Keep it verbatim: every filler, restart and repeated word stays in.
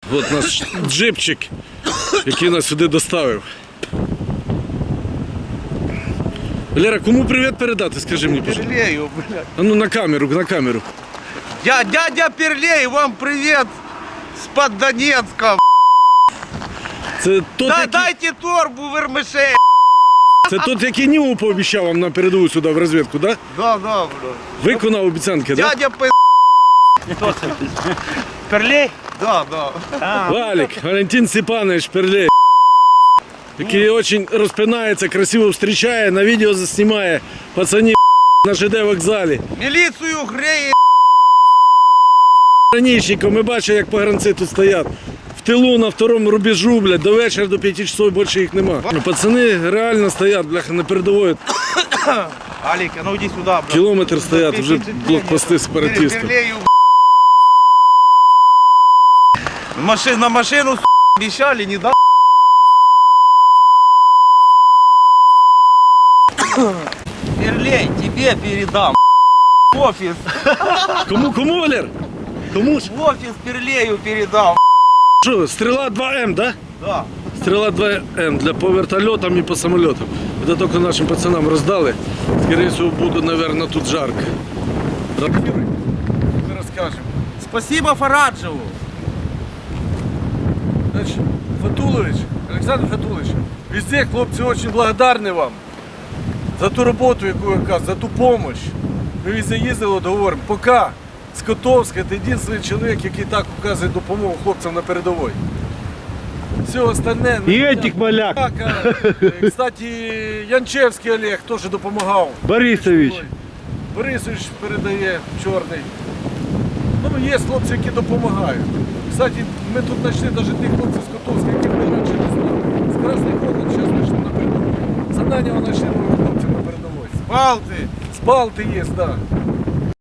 От наш джипчик, який нас сюди доставив. Валера, кому привіт передати, скажи мені, пожалуйста. Перлею, блядь. А ну на камеру, на камеру. Я, дядя Перлей, вам привет с-под Донецка. Це тот, Да, який, дайте торбу вермишей. це тот, який Німу пообіцяв вам на передову сюди в розвідку, так? Да? Да, да, блядь. Виконав обіцянки, так? Да? Дядя П... Перлей? Да, да. Валік, Валентин Степанович Перлей, який дуже розпинається, красиво зустрічає, на відео заснімає пацанів на ЖД вокзалі. Міліцію греє. Ранішником, ми бачимо, як погранці тут стоять. В тилу на второму рубежу, блядь, до вечора, до п'яти часов більше їх нема. Ну, пацани реально стоять, бляха, на передовій. Алик, а ну иди сюда, блядь. Кілометр стоять, вже блокпости сепаратистів. Перлею, Машин, на машину, с***, обещали, не дал. Перлей, тебе передам. В офис. Кому, кому, Валер? Кому ж? В офис Перлею передам. Що, стріла два ем, да? Да. Стріла два ем для по вертольотам і по самолітам. Це тільки нашим пацанам роздали. Скоріше всього, буде, мабуть, тут жарко. Ми розкажемо. Спасибо Фараджеву. Значит, Фатулович, Олександр Фатулович, везде хлопці дуже благодарні вам за ту роботу, яку ви оказуєте, за ту допомогу. Ми везде їздили, от говоримо, поки з Котовська це єдиний чоловік, який так оказує допомогу хлопцям на передовій. Все остальне... И этих маляк. Так, а, кстати, Янчевський Олег теж допомагав. Борисович. Борисович передає, чорний. Ну, є хлопці, які допомагають. Кстати, ми тут знайшли навіть тих хлопців з Котовська, яких ми раніше не знали. З Красний Холод зараз знайшли на передовій. З Ананєва знайшли нових хлопців на передовій. Балты. З Балти є, так. Да.